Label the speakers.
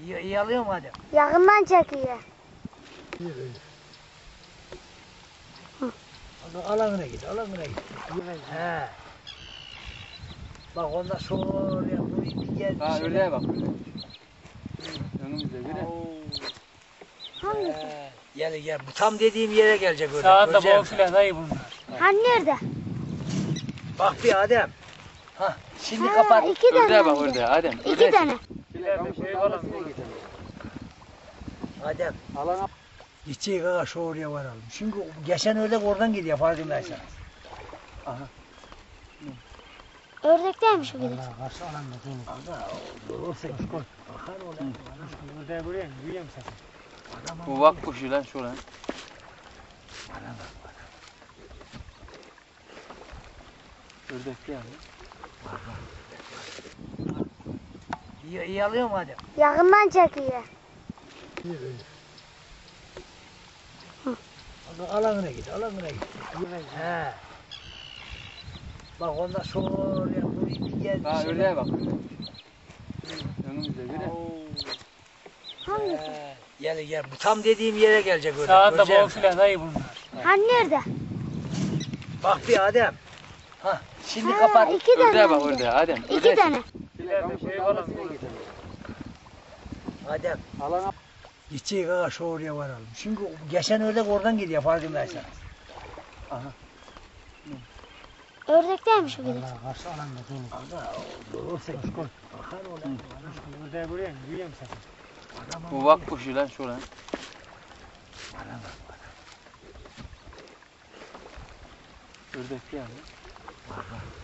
Speaker 1: İyi alıyor mu hadi?
Speaker 2: Yakından çekiyor.
Speaker 1: Alanına git, alanına git. He. Bak ondan sonra buraya gel.
Speaker 3: Ha öyle bak. Önümüzde biri.
Speaker 2: Hangisi?
Speaker 1: Gel. Bu tam dediğim yere gelecek öyle.
Speaker 4: Sağında
Speaker 1: Göreceğim
Speaker 4: bol filan dayı bunlar.
Speaker 2: Hani nerede?
Speaker 1: Bak bir Adem. Ha, şimdi
Speaker 2: Ha,
Speaker 1: kapat.
Speaker 2: iki tane.
Speaker 3: Ördeğe bak
Speaker 2: hem de.
Speaker 3: ördeğe Adem.
Speaker 2: İki tane.
Speaker 4: İleride şey falan.
Speaker 1: Adem.
Speaker 3: Alana.
Speaker 1: Gideceğiz aga şu oraya varalım. Çünkü geçen ördek oradan gidiyor farkındaysanız.
Speaker 3: Aha.
Speaker 2: Ördekteymiş o gidip.
Speaker 1: Karşı alanda dolu. Aga olursa bakar olan.
Speaker 4: Ördeğe buraya mı? Büyüyor mu sakın?
Speaker 3: Bu vak kuşu lan şu lan. Ördek yani.
Speaker 1: İyi alıyor mu Adem?
Speaker 2: Yakından çekiyor.
Speaker 1: Alanına git, alanına git. He. Bak ondan sonra buraya gel.
Speaker 3: Ha ördeğe bak. Önümüzde biri.
Speaker 2: Hangisi?
Speaker 1: Gel. Bu tam dediğim yere gelecek öyle.
Speaker 4: Sağında
Speaker 1: Göreceğim.
Speaker 4: bol filan dayı bunlar.
Speaker 2: Hani nerede?
Speaker 1: Bak bir Adem. Ha, şimdi
Speaker 2: Ha,
Speaker 1: kapat.
Speaker 2: iki tane.
Speaker 3: Ördeğe bak
Speaker 2: hem de.
Speaker 3: ördeğe Adem.
Speaker 2: İki
Speaker 3: Ördeğe
Speaker 2: tane.
Speaker 4: İleride şey falan.
Speaker 1: Adem.
Speaker 3: Alana.
Speaker 1: Gideceğiz aga şu oraya varalım. Çünkü geçen ördek oradan gidiyor farkındaysanız.
Speaker 3: Aha.
Speaker 2: Ördekteymiş o gidip.
Speaker 1: Karşı alanda dolu. Aga olursa bakar olan.
Speaker 4: Ördeğe buraya mı? Büyüyor mu sakın?
Speaker 3: Bu vak kuşu lan şu lan. Ördek yani.